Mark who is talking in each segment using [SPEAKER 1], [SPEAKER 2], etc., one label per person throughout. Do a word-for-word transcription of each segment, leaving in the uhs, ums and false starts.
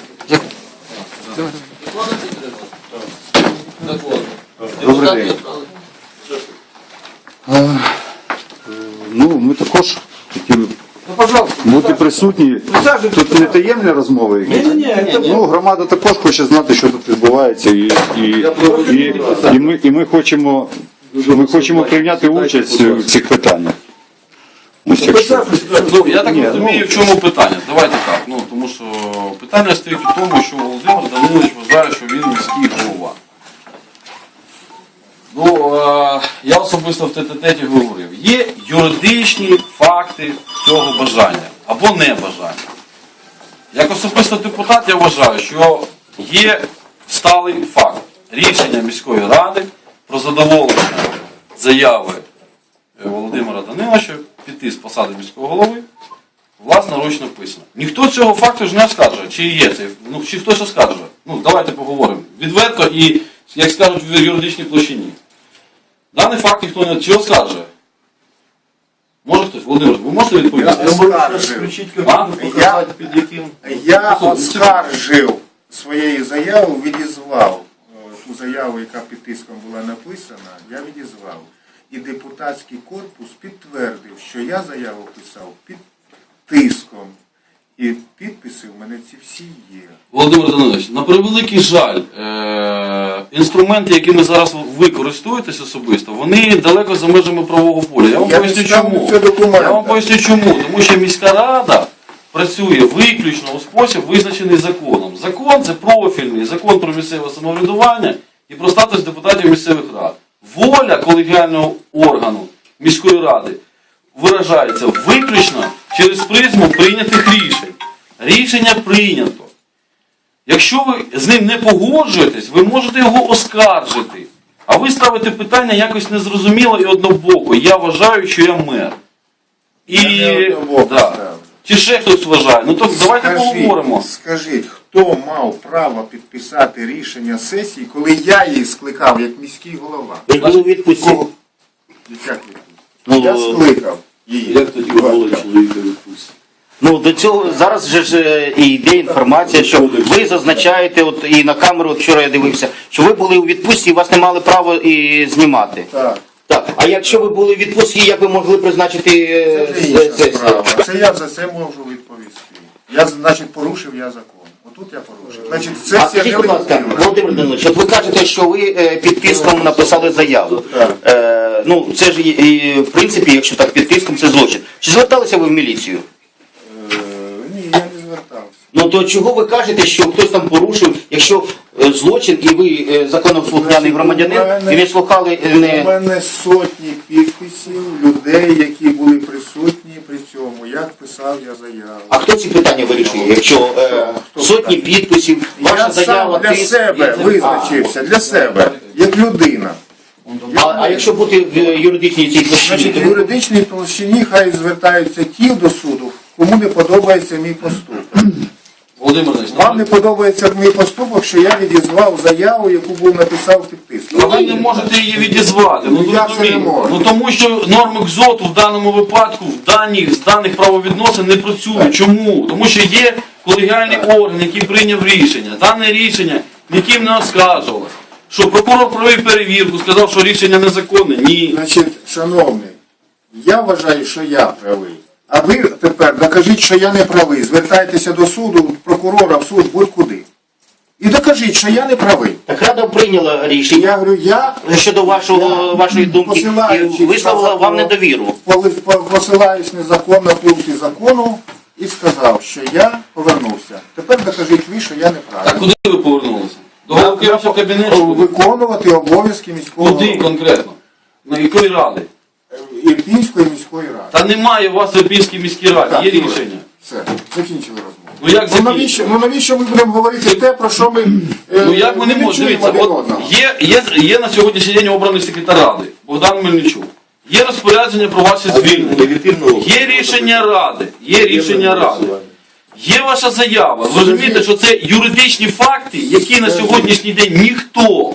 [SPEAKER 1] Добрий день. Ну, ми також хотіли бути присутні. Тут не таємні розмови якісь. Ну, громада також хоче знати, що тут відбувається. І, і, і, і, ми, і ми хочемо, ми хочемо прийняти участь в цих питаннях. Ось якщо.
[SPEAKER 2] Ну, я так
[SPEAKER 1] Ні,
[SPEAKER 2] розумію,
[SPEAKER 1] ну-
[SPEAKER 2] в чому питання. Давайте так. Ну, тому що питання стоїть у тому, що Володимир Данилович вважає, що він міський голова. Ну, е, я особисто в тет-а-теті говорив, є юридичні факти цього бажання або небажання. Як особисто депутат я вважаю, що є сталий факт рішення міської ради про задоволення заяви Володимира Даниловича піти з посади міського голови, власноручно писано. Ніхто цього факту ж не оскаржує, чи є це, ну, чи хтось оскаржує. Ну, давайте поговоримо. Відверто і, як скажуть, в юридичній площині. Даний факт ніхто не чи оскаржує. Може хтось? Володимир, ви можете відповісти?
[SPEAKER 3] Я оскаржив. Я, я оскаржив своєю заявою, відізвав ту заяву, яка під тиском була написана, я відізвав. І депутатський корпус підтвердив, що я заяву писав під тиском. І підписи в мене ці всі є.
[SPEAKER 2] Володимир Данилович, на превеликий жаль, е- інструменти, якими зараз ви користуєтесь особисто, вони далеко за межами правового поля. Я вам
[SPEAKER 3] Я
[SPEAKER 2] поясню
[SPEAKER 3] не ставлю
[SPEAKER 2] чому.
[SPEAKER 3] це документи.
[SPEAKER 2] Я вам поясню чому. Тому що міська рада працює виключно у спосіб, визначений законом. Закон – це профільний закон про місцеве самоврядування і про статус депутатів місцевих рад. Воля колегіального органу міської ради виражається виключно через призму прийнятих рішень. Рішення прийнято. Якщо ви з ним не погоджуєтесь, ви можете його оскаржити. А ви ставите питання якось незрозуміло і однобоко. Я вважаю, що я мер. І...
[SPEAKER 3] Я не однобоко
[SPEAKER 2] да.
[SPEAKER 3] ставлю.
[SPEAKER 2] Чи ще хтось вважає? Ну то давайте
[SPEAKER 3] Скажіть,
[SPEAKER 2] поговоримо.
[SPEAKER 3] Скажіть, хто мав право підписати рішення сесії, коли я її скликав як міський голова?
[SPEAKER 4] Ви були у відпустці.
[SPEAKER 3] Кого? Як відпустити?
[SPEAKER 4] Ну,
[SPEAKER 3] Я скликав її.
[SPEAKER 2] Як тоді ви були чоловіка відпустити?
[SPEAKER 4] Ну, до цього зараз же ж е, і йде інформація, що ви зазначаєте, от і на камеру, от вчора я дивився, що ви були у відпустці і вас не мали права і знімати.
[SPEAKER 3] Так.
[SPEAKER 4] Так, а якщо ви були у відпустці, як ви могли призначити е,
[SPEAKER 3] Це вже інша
[SPEAKER 4] сесію?
[SPEAKER 3] справа. Це я за це можу відповісти. Я, значить, порушив я закон. Отут я порушив. Значить,
[SPEAKER 4] А
[SPEAKER 3] сесія
[SPEAKER 4] скажіть, будь ласка,
[SPEAKER 3] нелегітимна.
[SPEAKER 4] Володимир Данилович, от ви кажете, що ви е, під тиском написали заяву.
[SPEAKER 3] Так.
[SPEAKER 4] Е, ну, це ж, і, і, в принципі, якщо так під тиском, це злочин. Чи зверталися ви в міліцію?
[SPEAKER 3] Е, Ні, я не звертався.
[SPEAKER 4] Ну то чого ви кажете, що хтось там порушив, якщо е, злочин і ви е, законослухняний громадянин і не слухали е,
[SPEAKER 3] У
[SPEAKER 4] не...
[SPEAKER 3] мене сотні підписів людей, які були присутні при цьому. Як писав я заяву.
[SPEAKER 4] А хто ці питання вирішує? Якщо е,
[SPEAKER 3] Хто
[SPEAKER 4] сотні
[SPEAKER 3] питання?
[SPEAKER 4] підписів, ваша
[SPEAKER 3] Я
[SPEAKER 4] заява...
[SPEAKER 3] сам для
[SPEAKER 4] тиск,
[SPEAKER 3] себе
[SPEAKER 4] і-
[SPEAKER 3] визначився, для себе, як людина.
[SPEAKER 4] А, а якщо бути в е, юридичній цій площині?
[SPEAKER 3] Значить, в юридичній площині хай звертаються ті до суду, кому не подобається мій поступок.
[SPEAKER 2] Володимир Данилович,
[SPEAKER 3] Вам не подобається мій поступок, що я відізвав заяву, яку був написав під тиском.
[SPEAKER 2] а ви не можете її відізвати. Ну,
[SPEAKER 3] Ну, як це
[SPEAKER 2] зрозумійте.
[SPEAKER 3] не можна?
[SPEAKER 2] Ну тому що норми КЗОТу в даному випадку, в даних, з даних правовідносин не працюють. Чому? Тому що є колегіальний орган, який прийняв рішення. Дане рішення ніким не оскаржувалося. Що прокурор провів перевірку, сказав, що рішення незаконне? Ні.
[SPEAKER 3] Значить, шановний, я вважаю, що я правий. А ви тепер докажіть, що я не правий. Звертайтеся до суду, прокурора, в суд, будь-куди. І докажіть, що я не правий.
[SPEAKER 4] Так Рада прийняла рішення
[SPEAKER 3] Я говорю, я
[SPEAKER 4] щодо вашого, вашої думки і висловила вам недовіру.
[SPEAKER 3] Поли- по- посилаюсь незаконно пункти закону і сказав, що я повернувся. Тепер докажіть ви, що я не
[SPEAKER 2] Так
[SPEAKER 3] правий.
[SPEAKER 2] куди ви повернулися? До голови вашого кабінету?
[SPEAKER 3] Виконувати обов'язки міського
[SPEAKER 2] Куди
[SPEAKER 3] голови.
[SPEAKER 2] конкретно? На якої ради?
[SPEAKER 3] Ірпінської міської ради.
[SPEAKER 2] Та немає у вас в Ірпінській міській раді,
[SPEAKER 3] Так,
[SPEAKER 2] є
[SPEAKER 3] добре.
[SPEAKER 2] рішення.
[SPEAKER 3] Все, закінчили розмову.
[SPEAKER 2] Ну як
[SPEAKER 3] Ну
[SPEAKER 2] закінчити?
[SPEAKER 3] навіщо, ну навіщо ми будемо говорити те, про що ми е,
[SPEAKER 2] Ну як ми не можемо?
[SPEAKER 3] чуємо
[SPEAKER 2] Дивіться,
[SPEAKER 3] один
[SPEAKER 2] от
[SPEAKER 3] одного?
[SPEAKER 2] є, є, є на сьогоднішній день обраний секретар ради Богдан Мельничук. Є розпорядження про ваше звільнення. Є рішення ради. Є рішення ради. Є ваша заява. Ви розумієте, що це юридичні факти, які на сьогоднішній день ніхто,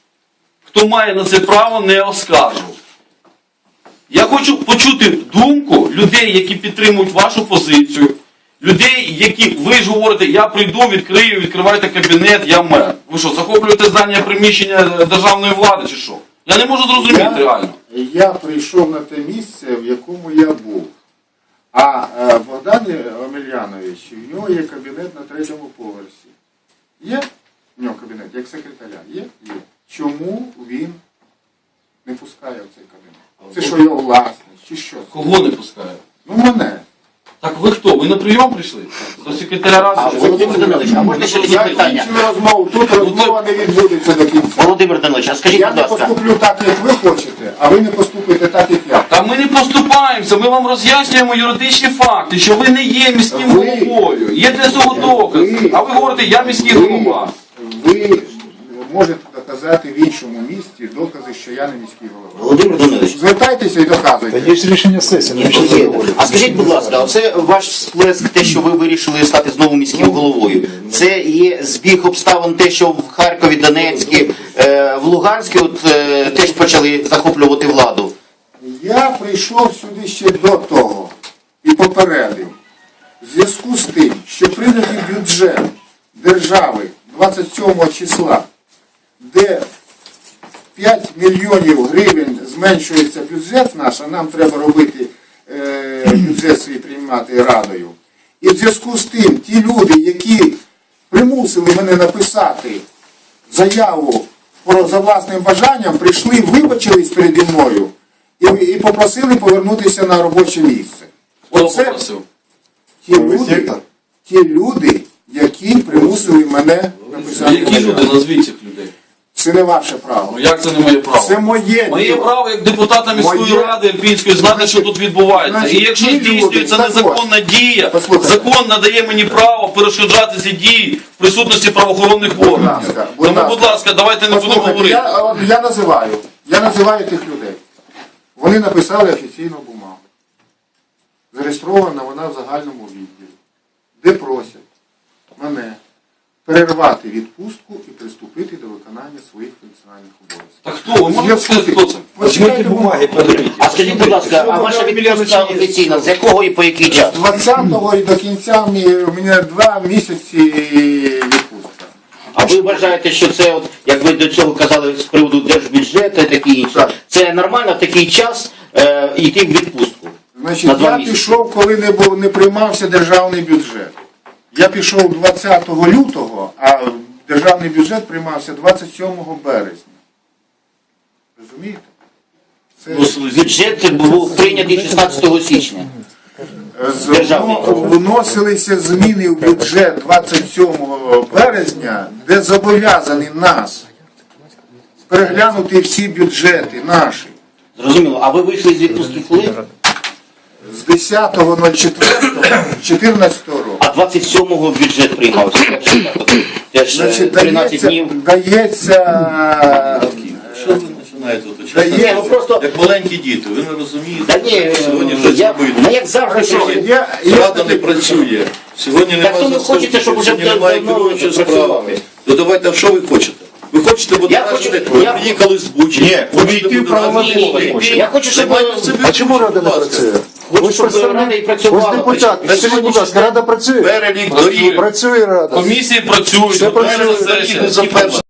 [SPEAKER 2] хто має на це право, не оскаржив. Я хочу почути думку людей, які підтримують вашу позицію, людей, які ви ж говорите, я прийду, відкрию, відкривайте кабінет, я мер. Ви що, захоплюєте здання приміщення державної влади чи що? Я не можу зрозуміти
[SPEAKER 3] Я-
[SPEAKER 2] реально.
[SPEAKER 3] Я прийшов на те місце, в якому я був. А е, Богдан Омельянович, в нього є кабінет на третьому поверсі. Є в нього кабінет, як секретаря? Є? Є. Чому він не пускає в цей кабінет? Це що його власність, чи що?
[SPEAKER 2] Кого не пускає?
[SPEAKER 3] Ну мене.
[SPEAKER 2] Так ви хто? Ви на прийом прийшли? До секретаря
[SPEAKER 4] А
[SPEAKER 2] ради?
[SPEAKER 4] Володимир Данилович, а можна ще таке
[SPEAKER 3] Я
[SPEAKER 4] питання?
[SPEAKER 3] кінчую розмову, тут розмова не відбудеться до кінця.
[SPEAKER 4] Володимир Данилович, а скажіть,
[SPEAKER 3] Я
[SPEAKER 4] будь
[SPEAKER 3] не
[SPEAKER 4] ласка,
[SPEAKER 3] поступлю так, як ви хочете, а ви не поступите так, як я.
[SPEAKER 2] Та ми не поступаємося, ми вам роз'яснюємо юридичні факти, що ви не є міським
[SPEAKER 3] Ви-
[SPEAKER 2] головою. Є для цього докази.
[SPEAKER 3] Ви-
[SPEAKER 2] А ви говорите, я міський
[SPEAKER 3] Ви,
[SPEAKER 2] голова.
[SPEAKER 3] ви можете доказати в іншому місті докази, що я не міський голова.
[SPEAKER 4] Володимир Данилович,
[SPEAKER 3] Звертайтеся і доказуйте.
[SPEAKER 5] Є ж рішення сесії, навіщо це
[SPEAKER 4] є.
[SPEAKER 5] говорити?
[SPEAKER 4] А скажіть, будь ласка, оце ваш сплеск, те, що ви вирішили стати знову міським головою, це є збіг обставин, те, що в Харкові, Донецькі, е, в Луганську от, е, теж почали захоплювати владу?
[SPEAKER 3] Я прийшов сюди ще до того і попередив. В зв'язку з тим, що прийнятий бюджет держави двадцять сьомого числа, де п'ять мільйонів гривень зменшується бюджет наш, а нам треба робити е, бюджет свій приймати радою. І в зв'язку з тим, ті люди, які примусили мене написати заяву про за власним бажанням, прийшли, вибачились переді мною і, і попросили повернутися на робоче місце.
[SPEAKER 2] Хто
[SPEAKER 3] Оце
[SPEAKER 2] попросив?
[SPEAKER 3] ті люди, ті люди, які примусили мене написати
[SPEAKER 2] Які люди?
[SPEAKER 3] заяву.
[SPEAKER 2] Назвіть цих людей.
[SPEAKER 3] Це не ваше право.
[SPEAKER 2] Ну як це не моє право?
[SPEAKER 3] Це моє
[SPEAKER 2] Моє
[SPEAKER 3] діло.
[SPEAKER 2] право як депутата міської
[SPEAKER 3] Моє-
[SPEAKER 2] ради Ірпінської знати, що тут відбувається.
[SPEAKER 3] Значить,
[SPEAKER 2] І якщо
[SPEAKER 3] ті люди,
[SPEAKER 2] здійснюється
[SPEAKER 3] так
[SPEAKER 2] незаконна дія,
[SPEAKER 3] Послухайте.
[SPEAKER 2] закон надає мені право перешкоджати ці дії в присутності правоохоронних органів.
[SPEAKER 3] ласка, будь
[SPEAKER 2] Тому,
[SPEAKER 3] ласка.
[SPEAKER 2] будь ласка, давайте не будемо
[SPEAKER 3] Послухайте,
[SPEAKER 2] говорити.
[SPEAKER 3] я, от я називаю, я називаю тих людей. Вони написали офіційну бумагу. Зареєстрована вона в загальному відділі, де просять мене перервати відпустку і приступити до виконання своїх функціональних обов'язків.
[SPEAKER 2] Так хто? Ви можете сказати, хто це?
[SPEAKER 3] Почитайте бумаги.
[SPEAKER 4] А скажіть, будь ласка, а ваша відпустка офіційна, з якого і по який час?
[SPEAKER 3] З двадцятого і до кінця мі- у мене два місяці відпустка.
[SPEAKER 4] А ви вважаєте, що це, от, як ви до цього казали з приводу держбюджету і таке інше,
[SPEAKER 3] Так.
[SPEAKER 4] це нормально в такий час е, йти в відпустку?
[SPEAKER 3] Значить,
[SPEAKER 4] На два
[SPEAKER 3] я
[SPEAKER 4] місяці.
[SPEAKER 3] пішов, коли не, був, не приймався державний бюджет. Я пішов двадцятого лютого, а державний бюджет приймався двадцять сьомого березня. Розумієте? Це
[SPEAKER 4] Бюджет був прийнятий шістнадцятого січня.
[SPEAKER 3] з-
[SPEAKER 4] державний.
[SPEAKER 3] вно- вносилися зміни в бюджет двадцять сьомого березня, де зобов'язані нас переглянути всі бюджети наші.
[SPEAKER 4] Зрозуміло. А ви вийшли з відпустки коли?
[SPEAKER 3] З десятого чотирнадцятого року.
[SPEAKER 4] А двадцять сьомого бюджет приймався. Теж е,
[SPEAKER 3] Значить,
[SPEAKER 4] тринадцять
[SPEAKER 3] дається,
[SPEAKER 4] днів.
[SPEAKER 3] дається,
[SPEAKER 6] Що ви починаєте оточати?
[SPEAKER 3] дається,
[SPEAKER 4] Ну просто,
[SPEAKER 6] Як маленькі діти, ви не розумієте,
[SPEAKER 4] да ні,
[SPEAKER 6] сьогодні
[SPEAKER 4] е,
[SPEAKER 6] вже
[SPEAKER 4] я,
[SPEAKER 6] зробили.
[SPEAKER 4] ну як завжди, що ви-
[SPEAKER 3] я, я
[SPEAKER 6] Рада не працює. Сьогодні
[SPEAKER 4] Так
[SPEAKER 6] немає
[SPEAKER 4] то ви хочете, щоб уже
[SPEAKER 6] сьогодні немає
[SPEAKER 4] давно
[SPEAKER 6] керуючої
[SPEAKER 4] працювали.
[SPEAKER 6] справи. То давайте, а що ви хочете? Ви хочете бути
[SPEAKER 4] Я хочу-
[SPEAKER 6] ви
[SPEAKER 4] я-
[SPEAKER 6] приїхали з Бучі.
[SPEAKER 1] Ні,
[SPEAKER 6] хочете
[SPEAKER 1] увійти
[SPEAKER 6] бути
[SPEAKER 1] в правове
[SPEAKER 6] разом.
[SPEAKER 1] поле.
[SPEAKER 6] Ні,
[SPEAKER 4] Я хочу, щоб
[SPEAKER 6] займайте себе
[SPEAKER 5] А чому Рада не
[SPEAKER 6] будь ласка.
[SPEAKER 5] працює?
[SPEAKER 4] Хочу,
[SPEAKER 5] Ви ж
[SPEAKER 4] щоб
[SPEAKER 5] представник-
[SPEAKER 4] Рада і
[SPEAKER 5] ви ж
[SPEAKER 4] працювала.
[SPEAKER 5] депутат.
[SPEAKER 6] На
[SPEAKER 5] Скажіть, будь ласка, Рада працює?
[SPEAKER 6] Перелік
[SPEAKER 2] Працює.
[SPEAKER 6] доріг.
[SPEAKER 5] Працює Рада.
[SPEAKER 2] Комісії працюють,
[SPEAKER 5] Все
[SPEAKER 2] готується
[SPEAKER 5] працює.
[SPEAKER 2] сесія.
[SPEAKER 6] за перше